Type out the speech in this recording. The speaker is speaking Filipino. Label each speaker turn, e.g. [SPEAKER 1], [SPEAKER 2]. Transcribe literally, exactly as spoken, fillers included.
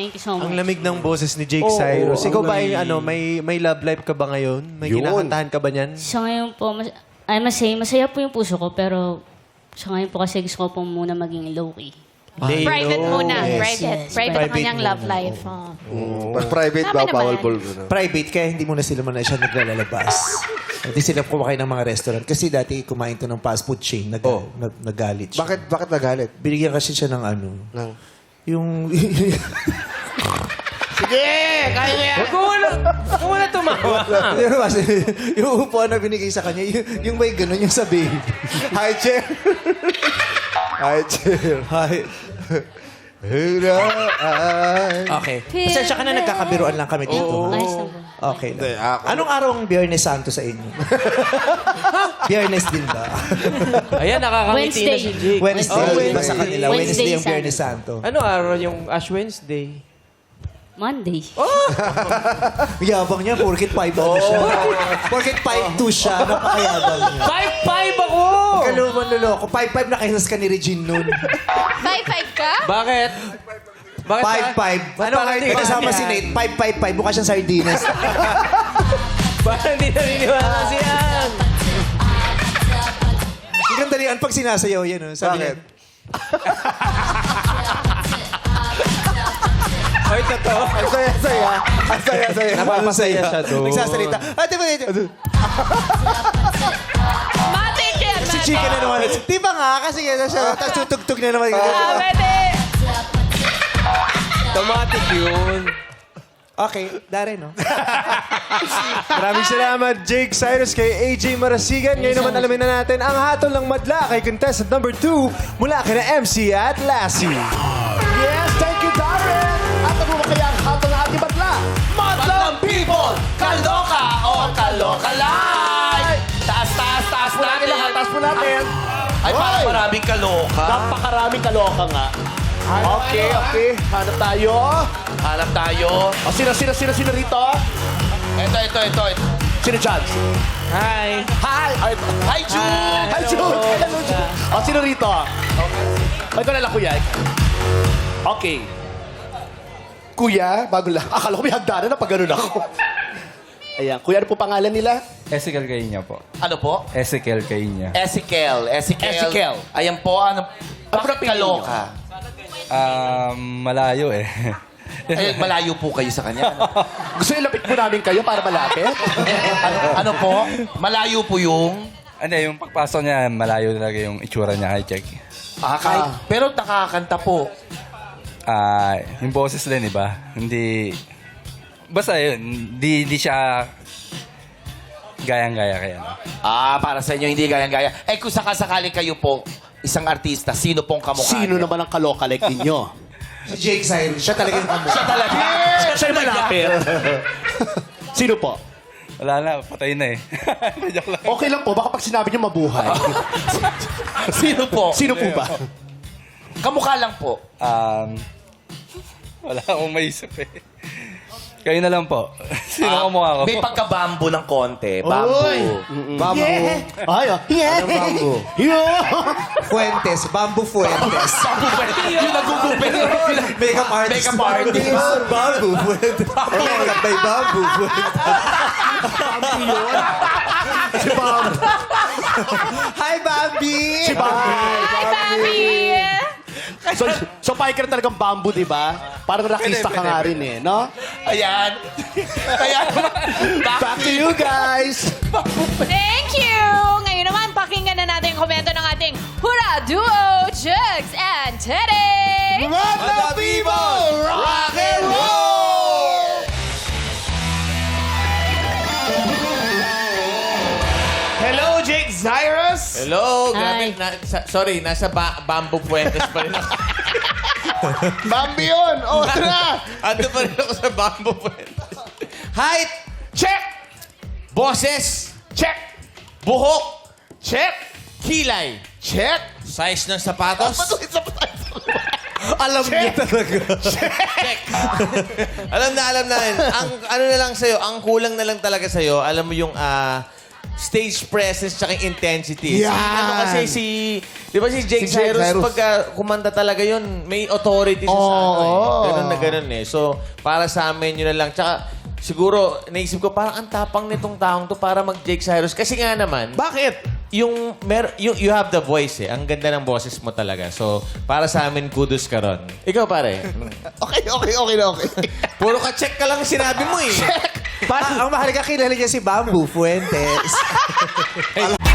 [SPEAKER 1] Thank you so much.
[SPEAKER 2] Ang lamig ng boses ni Jake
[SPEAKER 3] Oo,
[SPEAKER 2] Cyrus.
[SPEAKER 3] ang
[SPEAKER 2] Ikaw ba ay
[SPEAKER 3] lamig.
[SPEAKER 2] ano, may may love life ka ba ngayon? May
[SPEAKER 3] Yun.
[SPEAKER 2] kinakantahan ka ba niyan?
[SPEAKER 1] Sa ngayon po, mas, ay masaya, masaya po yung puso ko, pero sa ngayon po kasi gusto ko po muna maging low-key.
[SPEAKER 4] Private muna.
[SPEAKER 2] Yes.
[SPEAKER 4] Private.
[SPEAKER 1] Yes.
[SPEAKER 4] Private ang
[SPEAKER 2] Private
[SPEAKER 4] kanyang
[SPEAKER 2] muna.
[SPEAKER 4] love life. Oh.
[SPEAKER 5] Pag private
[SPEAKER 4] Tama
[SPEAKER 5] ba,
[SPEAKER 4] naman.
[SPEAKER 5] bawal ball gano'n.
[SPEAKER 3] Private, kaya hindi muna sila muna siya naglalabas. Hindi sila kumakain ng mga restaurant. Kasi dati kumain to ng fast food chain, nag
[SPEAKER 5] Oh.
[SPEAKER 3] nag- nagalit siya.
[SPEAKER 5] Bakit, bakit nagalit?
[SPEAKER 3] Binigyan kasi siya ng ano,
[SPEAKER 5] Nang...
[SPEAKER 3] yung...
[SPEAKER 6] Sige! Kaya mo yan!
[SPEAKER 2] Huwag mo na, huwag mo na tumawa.
[SPEAKER 3] Hindi naman kasi, yung upuan na binigay sa kanya, yung, yung may ganun yung sabihin.
[SPEAKER 5] Hi, Chair! Hi, Chair!
[SPEAKER 3] Hi. Okay. Pasensya ka na, nagkakabiruan lang kami dito.
[SPEAKER 1] Ayos na po.
[SPEAKER 3] Okay
[SPEAKER 5] Hindi,
[SPEAKER 3] lang.
[SPEAKER 5] ako-
[SPEAKER 3] Anong araw ang Biyernes Santo sa inyo? Biyernes din ba?
[SPEAKER 2] Ayan, nakakangiti na
[SPEAKER 1] Wednesday.
[SPEAKER 2] si Jake.
[SPEAKER 3] Wednesday.
[SPEAKER 2] Oh,
[SPEAKER 3] Iba sa kanila.
[SPEAKER 1] Wednesday,
[SPEAKER 3] Wednesday yung
[SPEAKER 1] Sunday.
[SPEAKER 3] Biyernes Santo.
[SPEAKER 2] Ano araw yung Ash Wednesday?
[SPEAKER 1] Monday.
[SPEAKER 3] Yabang niya, porkit five ano siya. Porkit five two siya, napakayabang niya.
[SPEAKER 2] five five ako!
[SPEAKER 3] Kaluman luloko. five five na kahisas ka ni Regine nun.
[SPEAKER 4] Five, five ka?
[SPEAKER 2] Bakit? Bakit
[SPEAKER 3] five five. Ano
[SPEAKER 2] parang
[SPEAKER 3] kahit
[SPEAKER 2] di
[SPEAKER 3] may
[SPEAKER 2] ba
[SPEAKER 3] kasama
[SPEAKER 2] yan?
[SPEAKER 3] si Nate? five five five. Mukha siyang sardinas.
[SPEAKER 2] Parang hindi naniniwala si Ann.
[SPEAKER 3] Ang ganda niyan pag sinasayaw yan. Oh. Sabi niya,
[SPEAKER 5] Bakit?
[SPEAKER 2] Ay, totoo.
[SPEAKER 5] Ang saya-saya! Ang saya-saya!
[SPEAKER 2] Napapasaya siya doon.
[SPEAKER 3] nagsasalita. Ate ba dito?
[SPEAKER 4] Matik yan,
[SPEAKER 3] Si
[SPEAKER 4] matik.
[SPEAKER 3] Chika na naman. Di ba nga? Kasi yan siya. Tapos tutugtog na naman.
[SPEAKER 4] Ah, pwede.
[SPEAKER 2] Automatic yun.
[SPEAKER 3] Okay, Darren, no?
[SPEAKER 2] Maraming salamat, Jake Cyrus, kay A J Marasigan. Ngayon naman alamin na natin ang hatol ng madla kay contestant number two mula kay na M C at Lassie.
[SPEAKER 6] Yes, thank you, Darren! At ano ba kaya ang hatol ng ating batla? Madlang people! Kaloka o kaloka live! Taas, taas, taas natin lahat. Taas po natin. Ay, parang maraming kaloka. Napakaraming kaloka nga. Okay, okay. Hanap tayo. Hanap tayo. O, sino, sino, sino, sino rito? Ito, ito, ito. ito. Sino dyan?
[SPEAKER 2] Hi.
[SPEAKER 6] Hi! Ay, hi, Jude! Hi, Jude! Hello, Jude! O, sino rito? Okay. Ito na lang, kuya. Okay. Kuya, bago lang. Akala ko may hagdanan na pag ganun ako. Ayan. Kuya, ano po pangalan nila?
[SPEAKER 7] Ezekiel Kainya po.
[SPEAKER 6] Ano po?
[SPEAKER 7] Ezekiel Kainya.
[SPEAKER 6] Ezekiel. Ezekiel.
[SPEAKER 4] Ezekiel.
[SPEAKER 6] Ayan po, ano? Bakit kaloka?
[SPEAKER 7] Um, malayo eh.
[SPEAKER 6] Ay, malayo po kayo sa kanya. Ano? Gusto niyo lapit po namin kayo para malapit? ano, ano po? Malayo po yung...
[SPEAKER 7] Ano, yung pagpasok niya, malayo talaga yung itsura niya kay Check.
[SPEAKER 6] Ah, kahit, pero nakakanta po.
[SPEAKER 7] Ah, yung boses din, iba? Hindi... Basta yun, hindi, hindi siya gayang-gaya kaya.
[SPEAKER 6] Ah, para sa inyo, hindi gayang-gaya. Eh, kung sakasakali kayo po, isang artista, sino pong kamukha
[SPEAKER 8] Sino
[SPEAKER 6] niyo?
[SPEAKER 8] naman ang kaloka like ninyo?
[SPEAKER 3] Si Jake Cyrus. Siya talaga yung kamukha.
[SPEAKER 6] Siya talaga.
[SPEAKER 8] Siya siya yung malapit. Sino po?
[SPEAKER 7] Wala na, patay na eh. Joke lang.
[SPEAKER 8] Okay lang po, baka pag sinabi niyo mabuhay.
[SPEAKER 6] Sino po?
[SPEAKER 8] Sino po ba?
[SPEAKER 6] Kamukha lang po.
[SPEAKER 7] Um, wala akong maisip eh. Kayo na lang po. Sino
[SPEAKER 6] Ah,
[SPEAKER 7] ang mukha ko?
[SPEAKER 6] May pagka-bambo ng konti. Bambo.
[SPEAKER 3] Bamboo.
[SPEAKER 8] Ay, oh. Yeah.
[SPEAKER 3] Anong bamboo?
[SPEAKER 8] Yeah.
[SPEAKER 3] Fuentes. Bamboo Fuentes.
[SPEAKER 6] Yung nagugupit.
[SPEAKER 3] Makeup artist.
[SPEAKER 6] Makeup artist.
[SPEAKER 3] Bamboo Fuentes. Makeup by Bamboo Fuentes.
[SPEAKER 8] Si Bob.
[SPEAKER 3] Hi, Bambi!
[SPEAKER 8] Si Bob.
[SPEAKER 4] Hi, Bobby!
[SPEAKER 8] So, so biker talagang bamboo, di ba? Parang rakista ka nga rin eh, no?
[SPEAKER 6] Ayan. Kaya,
[SPEAKER 8] Back to you guys.
[SPEAKER 4] Thank you! Ngayon naman, pakinggan na natin yung komento ng ating Hura Duo, Jugs and Teddy!
[SPEAKER 5] Mga people! Rock and roll!
[SPEAKER 6] Hello, Jake Cyrus!
[SPEAKER 9] Hello,
[SPEAKER 1] Hi.
[SPEAKER 9] grabe. Na, sa- sorry, nasa ba- Bamboo Fuentes pa rin ako.
[SPEAKER 5] Bambi yun! O, tara!
[SPEAKER 9] Ando pa rin ako sa Bamboo Fuentes. Height, check! Boses, check! Buhok, check! Kilay, check! Size ng sapatos,
[SPEAKER 3] Alam niya talaga.
[SPEAKER 9] check! alam na, alam na. Ang ano na lang sa'yo, ang kulang na lang talaga sa'yo, alam mo yung ah, stage presence tsaka intensity. Si,
[SPEAKER 5] Yan.
[SPEAKER 9] ano kasi si, di ba si Jake
[SPEAKER 5] Si Jake
[SPEAKER 9] Cyrus,
[SPEAKER 5] Cyrus.
[SPEAKER 9] pagka kumanta talaga yun, may authority siya sa ano eh.
[SPEAKER 5] Oo.
[SPEAKER 9] Ganun na ganun eh. So, para sa amin yun na lang. Tsaka, siguro, naisip ko, parang ang tapang nitong taong to para mag-Jake Cyrus. Kasi nga naman,
[SPEAKER 5] Bakit?
[SPEAKER 9] yung, mer yung you have the voice eh. Ang ganda ng boses mo talaga. So, para sa amin, kudos ka ron. Ikaw pare.
[SPEAKER 5] Okay, okay, okay na okay.
[SPEAKER 9] Puro ka check ka lang sinabi mo eh.
[SPEAKER 3] Pa- ang mahalaga kilala niya si Bamboo Fuentes.